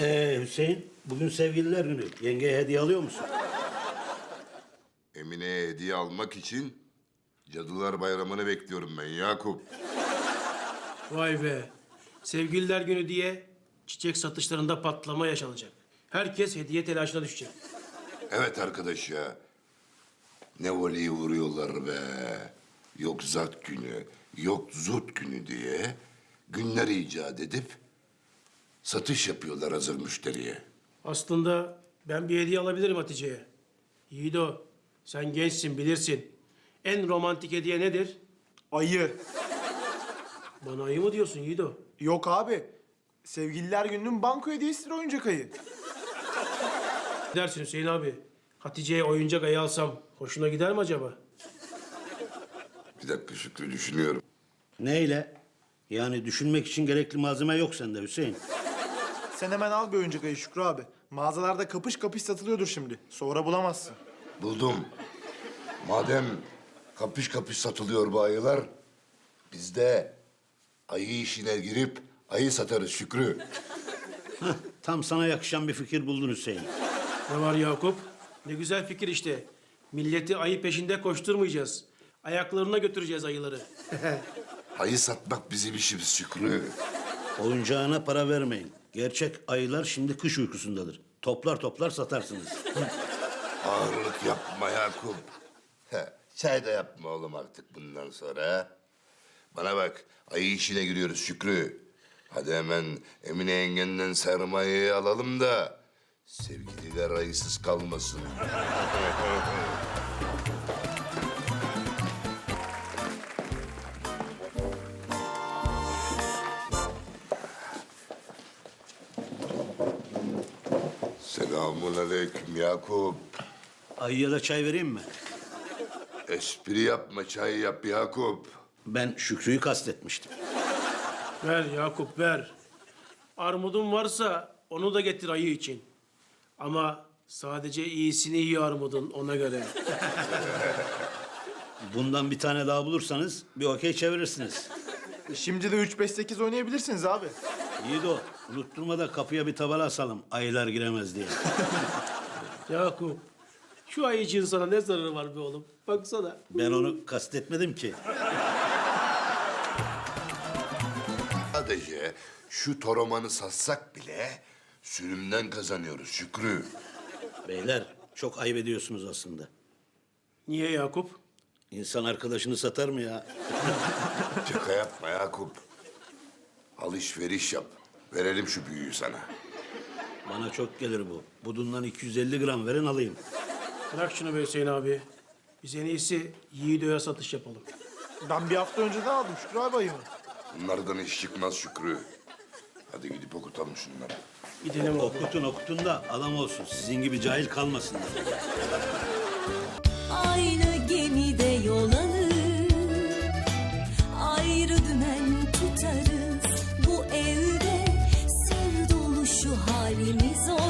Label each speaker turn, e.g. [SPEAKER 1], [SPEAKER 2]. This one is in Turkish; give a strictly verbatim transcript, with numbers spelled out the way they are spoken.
[SPEAKER 1] Ee Hüseyin, bugün sevgililer günü. Yengeye hediye alıyor musun?
[SPEAKER 2] Emine'ye hediye almak için Cadılar Bayramı'nı bekliyorum ben Yakup.
[SPEAKER 3] Vay be. Sevgililer günü diye çiçek satışlarında patlama yaşanacak. Herkes hediye telaşına düşecek.
[SPEAKER 2] Evet arkadaş ya. Ne voleyi vuruyorlar be. Yok zat günü, yok zut günü diye günler icat edip satış yapıyorlar hazır müşteriye.
[SPEAKER 3] Aslında ben bir hediye alabilirim Hatice'ye. Yiğido, sen gençsin bilirsin. En romantik hediye nedir?
[SPEAKER 4] Ayı.
[SPEAKER 3] Bana ayı mı diyorsun Yiğido?
[SPEAKER 4] Yok abi. Sevgililer gününün banko hediyesidir oyuncak ayı.
[SPEAKER 3] Ne dersin Hüseyin abi? Hatice'ye oyuncak ayı alsam hoşuna gider mi acaba?
[SPEAKER 2] Bir dakika Şükrü düşünüyorum.
[SPEAKER 1] Neyle? Yani düşünmek için gerekli malzeme yok sende Hüseyin.
[SPEAKER 4] Sen hemen al bir oyuncak ayı Şükrü abi. Mağazalarda kapış kapış satılıyordur şimdi. Sonra bulamazsın.
[SPEAKER 2] Buldum. Madem kapış kapış satılıyor bu ayılar, biz de ayı işine girip ayı satarız Şükrü.
[SPEAKER 1] Hah, tam sana yakışan bir fikir buldun Hüseyin.
[SPEAKER 3] Ne var Yakup? Ne güzel fikir işte. Milleti ayı peşinde koşturmayacağız. Ayaklarına götüreceğiz ayıları.
[SPEAKER 2] Ayı satmak bizim işimiz Şükrü.
[SPEAKER 1] Oyuncağına para vermeyin. Gerçek ayılar şimdi kış uykusundadır. Toplar toplar satarsınız.
[SPEAKER 2] Ağırlık yapma Yakup. He, çay da yapma oğlum artık bundan sonra. ha? Bana bak, ayı işine giriyoruz Şükrü. Hadi hemen Emine yengenden sermayeyi alalım da sevgililer ayısız kalmasın. Selamun aleyküm Yakup.
[SPEAKER 1] Ayıya da çay vereyim mi?
[SPEAKER 2] Espri yapma, çay yap Yakup.
[SPEAKER 1] Ben Şükrü'yü kastetmiştim.
[SPEAKER 3] Ver Yakup ver. Armudun varsa onu da getir ayı için. Ama sadece iyisini yiyor armudun ona göre.
[SPEAKER 1] Bundan bir tane daha bulursanız bir okey çevirirsiniz.
[SPEAKER 4] E Şimdi de üç beş sekiz oynayabilirsiniz abi.
[SPEAKER 1] Yiğido, unutturma da kapıya bir tabela asalım. Ayılar giremez diye.
[SPEAKER 3] Yakup, şu ayıcığın sana ne zararı var be oğlum? Baksana.
[SPEAKER 1] Ben onu kastetmedim ki.
[SPEAKER 2] Sadece şu toromanı satsak bile sürümden kazanıyoruz Şükrü.
[SPEAKER 1] Beyler, çok ayıp ediyorsunuz aslında.
[SPEAKER 3] Niye Yakup?
[SPEAKER 1] İnsan arkadaşını satar mı ya?
[SPEAKER 2] Şaka yapma Yakup. Alışveriş yap. Verelim şu büyüyü sana.
[SPEAKER 1] Bana çok gelir bu. Budundan iki yüz elli gram verin alayım.
[SPEAKER 3] Bırak şunu be Hüseyin abi. Biz en iyisi Yiğido'ya satış yapalım.
[SPEAKER 4] Ben bir hafta önceden aldım Şükrü abi ayımı.
[SPEAKER 2] Bunlardan iş çıkmaz Şükrü. Hadi gidip okutalım şunları.
[SPEAKER 3] Gidelim oğlum.
[SPEAKER 1] Okutun okutun da adam olsun. Sizin gibi cahil kalmasınlar.
[SPEAKER 5] Aynı gemide yol alır, ayrı dümen tutarız. Bu evde sır dolu şu halimiz